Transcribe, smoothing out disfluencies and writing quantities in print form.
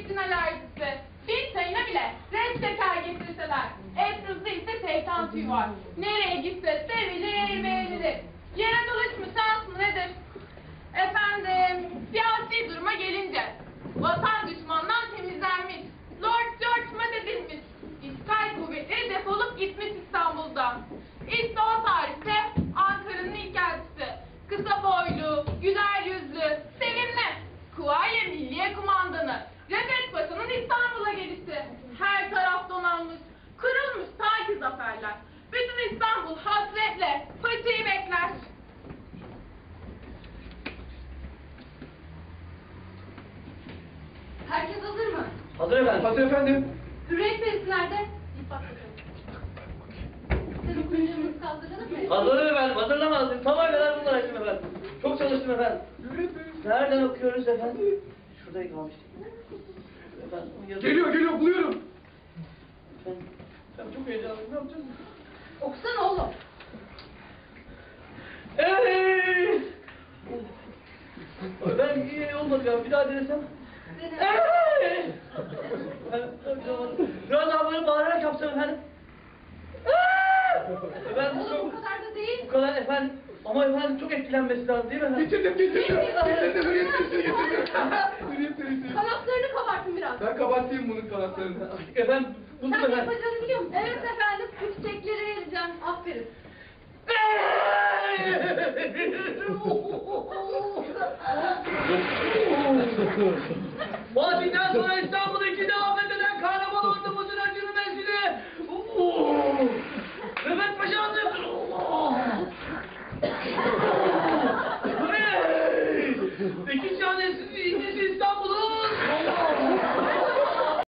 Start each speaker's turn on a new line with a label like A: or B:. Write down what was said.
A: zeytin alerjisi. Bir çayına bile red şeker getirseler. Etrafında ise şeytan tüyü var. Nereye gitse sevilir beğenilir. Yere dolaşma şans mı nedir? Efendim, siyasi duruma gelince vatan düşmandan temizlenmiş, Lord George mededilmiş, işgal kuvvetleri defolup gitmiş İstanbul'dan. İşte o tarihte Ankara'nın ilk elçisi, kısa boylu, güler yüzlü, sevimli, Kuvayi Milliye Kumandanı, Refet Paşa'nın İstanbul'a gelişi. Her taraf donanmış, kırılmış sanki zaferler. Bütün İstanbul hasretle Paşa'yı bekler.
B: Herkes hazır mı?
C: Hazır efendim. Hazır efendim.
B: Hürriyet serisi nerede? Bir bak bakalım. Senin kuyruğumuzu kaldıralım mı?
C: Hazır efendim. Hazırlamaz. Sabah kadar bunlar açtım efendim. Çok çalıştım efendim. Nereden okuyoruz efendim? Şurada kalmıştık. Efendim,
D: Geliyor, buluyorum.
C: Efendim, ben çok heyecanlıyım. Ne yapacağız?
B: Okusana oğlum.
C: Evet. Ben iyi olmadı ya. Bir daha denesem. Evet. Biraz daha böyle bağırarak yapsam efendim. Efendim
B: Oğlum bu kadar da değil.
C: bu kadar efendim. Ama efendim çok etkilenmesi lazım değil mi efendim?
D: Getirdim. Hürriyet serisini getirdim. Hürriyet serisi.
B: Kanatlarını kabartın biraz.
D: Ben kabartayım bunun kanatlarını.
C: Efendim bunu
B: Sen
C: efendim.
B: yapacağını biliyor musun? Evet efendim. Bu çiçekleri vereceğim. Aferin.
C: Fatih'ten sonra